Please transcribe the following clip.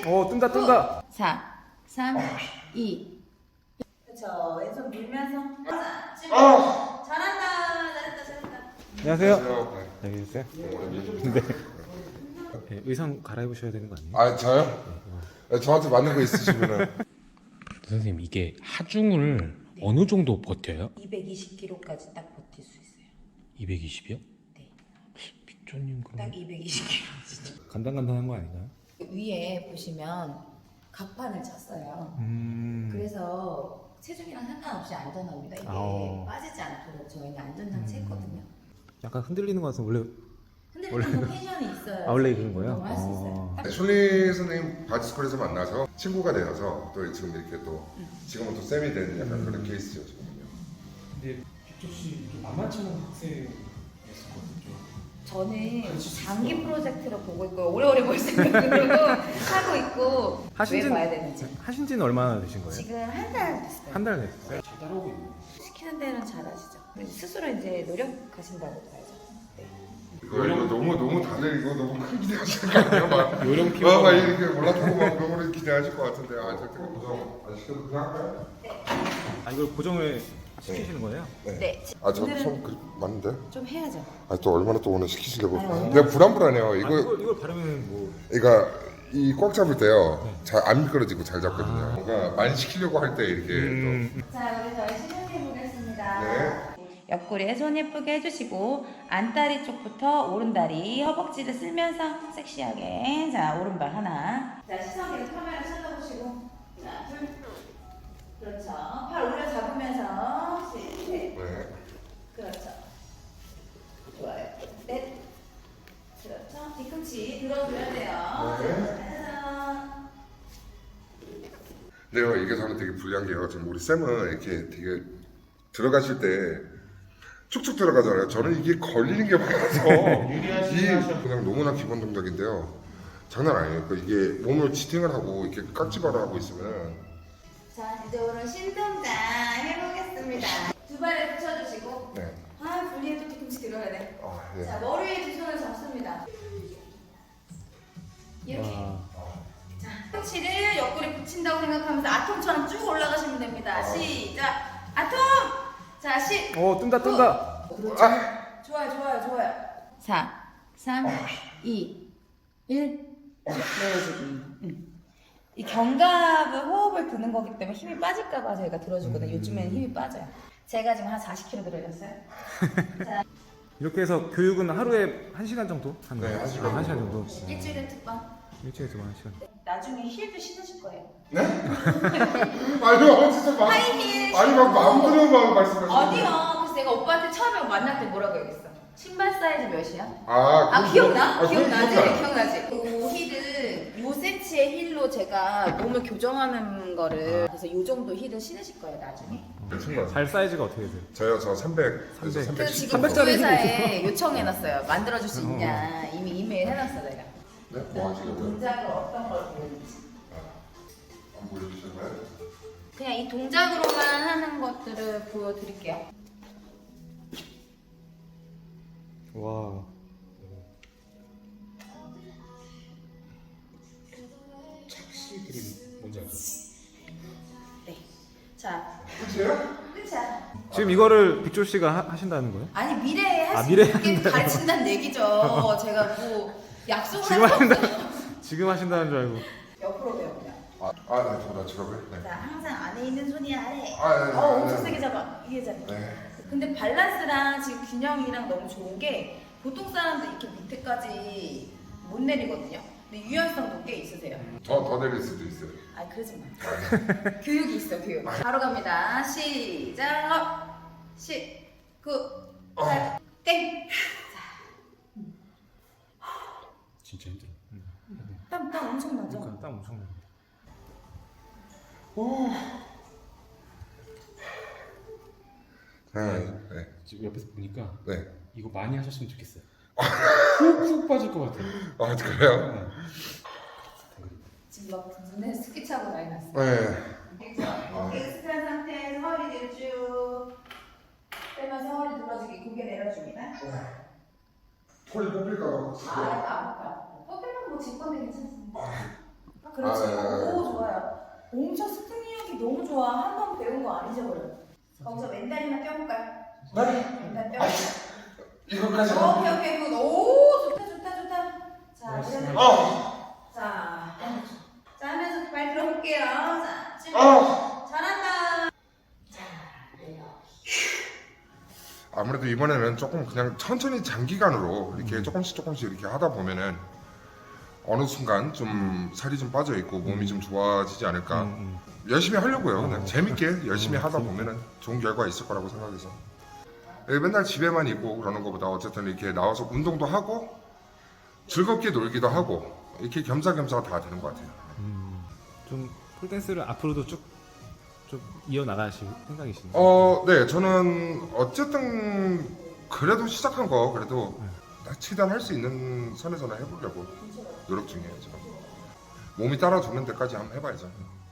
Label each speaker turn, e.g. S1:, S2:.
S1: 뜬다 뜬다.
S2: 4, 3, 2. 그렇죠. 왼손 밀면서. 잘한다.
S1: 안녕하세요. 여기 계세요? 네. 네. 의상 갈아입으셔야 되는 거 아니에요?
S3: 아 저요? 네, 저한테 맞는 거 있으시면은.
S4: 선생님 이게 하중을 어느 정도 버텨요?
S2: 220kg까지 딱 버틸 수 있어요.
S4: 220이요?
S2: 네.
S4: 빅조님
S2: 딱
S4: 그럼
S2: 220kg 진짜.
S1: 간단간단한 거 아닌가요?
S2: 위에 보시면 갑판을 쳤어요. 그래서 체중이랑 상관없이 안전합니다. 이게 빠지지 않도록 저희는 안전장치 했거든요.
S1: 약간 흔들리는 거 같아서 원래
S2: 흔들리는 건 텐션이 있어요.
S1: 원래 그런 거예요?
S2: 운동을 할수 있어요.
S3: 네, 솔리 선생님 바디스쿨에서 만나서 친구가 되어서 또 지금 이렇게 또 지금은 또 쌤이 된 약간 그런 케이스죠 지금은요.
S4: 근데 빅조씨 만만치 않은 학생이었거든요.
S2: 저는 장기 프로젝트로 보고 있고 오래오래 볼 생각으로 하고 있고 왜 봐야 되는지.
S1: 하신지는 얼마나 되신 거예요?
S2: 지금 한 달 됐어요.
S1: 한 달 됐어요?
S4: 잘 따라오고 있네요.
S2: 시키는 대로는 잘하시죠. 스스로 이제 노력하신다고 봐야죠. 네.
S3: 이거 너무 다들 이거 너무 큰 기대하시는 거 아니에요? 막
S4: 요령
S3: 막 이렇게 올라타고 막 그런 거를 기대하실 것 같은데 절대 고정 안 시켜도 그냥 할까요?
S1: 아 이걸 고정을 시키시는 거예요?
S2: 네.
S3: 아저
S2: 오늘은
S3: 손 맞는데?
S2: 좀 해야죠.
S3: 아 또 얼마나 또 오늘 시키시려고?
S2: 아유,
S3: 내가 불안해요.
S1: 이걸 바르면 뭐
S3: 그러니까 이 꽉 잡을 때요 잘 안 미끄러지고 잘 잡거든요. 그러니까 많이 시키려고 할 때 이렇게
S2: 자, 우리 저희 시작해 보겠습니다.
S3: 네.
S2: 옆구리에 손 예쁘게 해주시고 안다리 쪽부터 오른다리 허벅지를 쓸면서 섹시하게. 자, 오른발 하나. 자, 시선 계속 카메라 쳐다보시고. 자, 둘. 그렇죠. 팔 올려 잡으면서 셋.
S3: 네.
S2: 그렇죠. 좋아요. 넷. 그렇죠. 뒤꿈치 들어줘야 돼요.
S3: 네.
S2: 하나.
S3: 근데요 이게 저는 되게 불리한 게요. 지금 우리 쌤은 이렇게 되게 들어가실 때 축축 들어가잖아요. 저는 이게 걸리는 게 많아서 그냥 너무나 기본 동작인데요. 장난 아니에요. 그러니까 이게 몸을 지탱을 하고 이렇게 깍지바를 하고 있으면
S2: 자, 이제 오늘 신동작 해보겠습니다. 두 발을 붙여주시고.
S3: 네.
S2: 아, 분리해도 뒤꿈치 들어야 돼.
S3: 네.
S2: 자, 머리에 두 손을 잡습니다. 이렇게. 자, 팔꿈치를 옆구리 붙인다고 생각하면서 아톰처럼 쭉 올라가시면 됩니다. 시작. 아톰! 자,
S1: 뜬다 뜬다.
S2: 그렇죠. 좋아요. 4, 3, 2, 1. 내려주기. 이 견갑을 호흡을 드는 거기 때문에 힘이 빠질까봐 저희가 들어주거든요. 요즘에는 힘이 빠져요. 제가 지금 한 40kg 들어졌어요. 자,
S1: 이렇게 해서 교육은 하루에 1시간 정도 하는
S3: 네,
S1: 거예요?
S3: 1시간.
S1: 1시간 정도.
S2: 일주일에 두 번.
S1: 일주일에 두 번 1시간.
S2: 나중에 힐도 신으실 거예요.
S3: 아니요 진짜 막
S2: 하이힐
S3: 아니 막 마음대로 막 말씀하시는
S2: 아니요. 그래서 내가 오빠한테 처음에 만날 때 뭐라고 얘기했어? 신발 사이즈 몇이야?
S3: 아
S2: 기억나?
S3: 그건
S2: 기억나지?
S3: 기억나요.
S2: 기억나지? 그 힐은 요 세치의 힐로 제가 몸을 교정하는 거를 그래서 요 정도 힐은 신으실 거예요 나중에.
S1: 발 사이즈가 어떻게 되세요?
S3: 저요 저 300에서
S1: 300.
S2: 그
S3: 310
S2: 지금
S1: 300짜리
S2: 구회사에 요청해놨어요. 만들어줄 수 있냐. 이미 이메일 해놨어 내가.
S3: 네? 뭐 하시려고요?
S2: 동작을 어떤 걸 보여줄지.
S3: 안 보여주셨나요?
S2: 그냥 이 동작으로만 하는 것들을 보여드릴게요.
S1: 와.
S4: 착시들이 뭔지 알죠?
S2: 네. 자,
S3: 끝이에요?
S2: 끝이야.
S1: 지금 이거를 빅조 씨가 하신다는 거예요?
S2: 아니 미래에 할 수
S1: 미래에
S2: 있게 가르친다는 얘기죠. 제가 뭐 약속을
S1: 지금
S2: 할 수
S1: 하신다.
S2: 없어요.
S1: 지금 하신다는 줄 알고.
S2: 옆으로 배웁니다.
S3: 네, 저나 지갑을. 네.
S2: 자, 항상 안에 있는 손이 아래.
S3: 네,
S2: 엄청
S3: 네.
S2: 세게 잡아. 이게 잡아.
S3: 네.
S2: 근데 밸런스랑 지금 균형이랑 너무 좋은 게 보통 사람들 이렇게 밑에까지 못 내리거든요. 근데 유연성도 꽤 있으세요.
S3: 더 내릴 수도 있어요.
S2: 아, 그러지 마. 교육이 있어, 교육. 바로 갑니다. 시작. 10, 9, 8, 땡.
S4: 진짜 힘들어.
S2: 땀 엄청 나죠?
S1: 그러니까 땀 엄청 나요.
S3: 네.
S4: 지금 옆에서 보니까
S3: 네.
S4: 이거 많이 하셨으면 좋겠어요. 훅훅 빠질 것 같아요.
S3: 아 그래요?
S4: 네.
S2: 지금 막 눈에 스키 차고 난리 났어.
S3: 네.
S2: 어깨 스크한 상태에서 허리 뒤로 쭉 빼면서 허리 늘어지게 고개 내려줍니다.
S3: 털이 뽑힐까 봐.
S2: 아프다. 뽑히면 뭐 제 건데 괜찮습니다. 그렇지.
S3: 아, 네.
S2: 오, 좋아요. 엄청 스팅력이 너무 좋아. 한 번 배운 거 안 잊어버려. 거기서 맨다리만 껴볼까요?
S3: 네?
S2: 맨다리 껴볼까요?
S3: 이거까지.
S2: 오케이. 굿. 오, 좋다. 자, 그러면 자 하면서 발 들어볼게요. 자, 지금 잘한다. 자, 내려.
S3: 아무래도 이번에는 조금 그냥 천천히 장기간으로 이렇게 조금씩 이렇게 하다 보면은 어느 순간 좀 살이 좀 빠져 있고 몸이 좀 좋아지지 않을까. 열심히 하려고요. 그냥 재밌게 열심히 하다 보면은 좋은 결과 있을 거라고 생각해서. 맨날 집에만 있고 그러는 것보다 어쨌든 이렇게 나와서 운동도 하고 즐겁게 놀기도 하고 이렇게 겸사겸사가 다 되는 것 같아요.
S1: 좀 폴댄스를 앞으로도 쭉 좀 이어 나가실 생각이신가요?
S3: 네, 저는 어쨌든 그래도 시작한 거 그래도 최대한 할 수 있는 선에서는 해보려고 노력 중이에요. 지금. 몸이 따라주는 데까지 한번 해봐야죠.